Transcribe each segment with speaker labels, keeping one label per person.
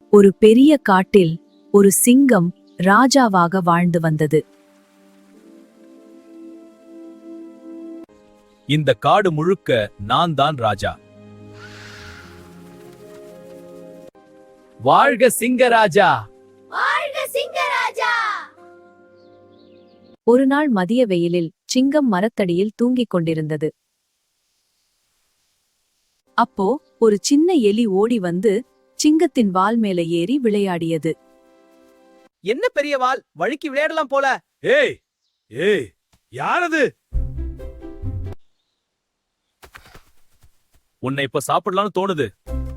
Speaker 1: ஒரு பெரிய காட்டில் ஒரு சிங்கம் ராஜாவாக வாழ்ந்து வந்தது.
Speaker 2: இந்த காடு முழுக்க நான் தான் ராஜா. வாழ்க சிங்கராஜா!
Speaker 1: ஒரு நாள் மதிய வெயிலில் சிங்கம் மரத்தடியில் தூங்கிக் கொண்டிருந்தது. அப்போ ஒரு சின்ன எலி ஓடி வந்து சிங்கத்தின் வால் மேல ஏறி விளையாடியது.
Speaker 3: என்ன பெரிய வால், வழுக்கி விளையாடலாம் போல.
Speaker 2: ஏய் ஏய், யாரது? உன்னை இப்ப சாப்பிடலாம்னு தோணுது.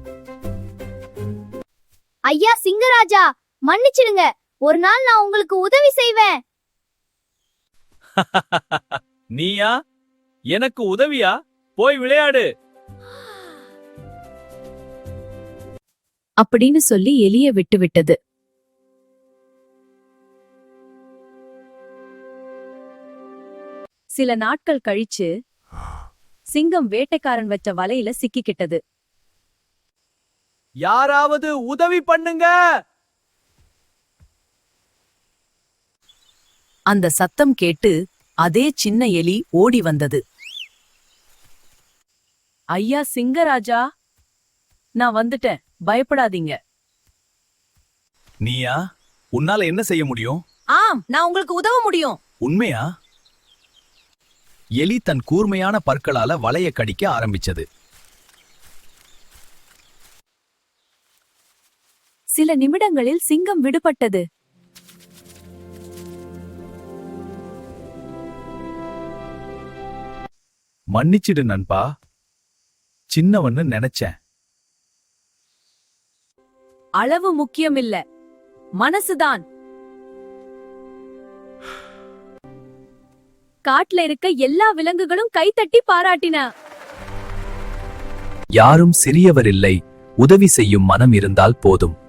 Speaker 4: ஐயா சிங்கராஜா, மன்னிச்சிடுங்க. ஒரு நாள் நான் உங்களுக்கு உதவி செய்வேன்.
Speaker 2: நீயா? எனக்கு உதவியா? போய் விளையாடு.
Speaker 1: அப்படின்னு சொல்லி எலிய விட்டுவிட்டது. சில நாட்கள் கழிச்சு சிங்கம் வேட்டைக்காரன் வச்ச வலையில சிக்கிக்கிட்டது.
Speaker 3: யாராவது உதவி பண்ணுங்க!
Speaker 1: அந்த சத்தம் கேட்டு அதே சின்ன எலி ஓடி வந்தது. ஐயா சிங்கராஜா, நான் வந்துட்டேன், பயப்படாதீங்க.
Speaker 2: நீயா? உன்னால என்ன செய்ய முடியும்?
Speaker 1: ஆம், நான் உங்களுக்கு உதவ முடியும்.
Speaker 2: உண்மையா? எலி தன் கூர்மையான பற்களால வலைய கடிக்க ஆரம்பிச்சது.
Speaker 1: சில நிமிடங்களில் சிங்கம் விடுபட்டது.
Speaker 2: மன்னிச்சிடு நண்பா, சின்னவன்னு நினைச்சேன்.
Speaker 1: அளவு முக்கியமில்ல, மனசுதான். காட்டுல இருக்க எல்லா விலங்குகளும் கைத்தட்டி பாராட்டின.
Speaker 2: யாரும் சிறியவர் இல்லை, உதவி செய்யும் மனம் இருந்தால் போதும்.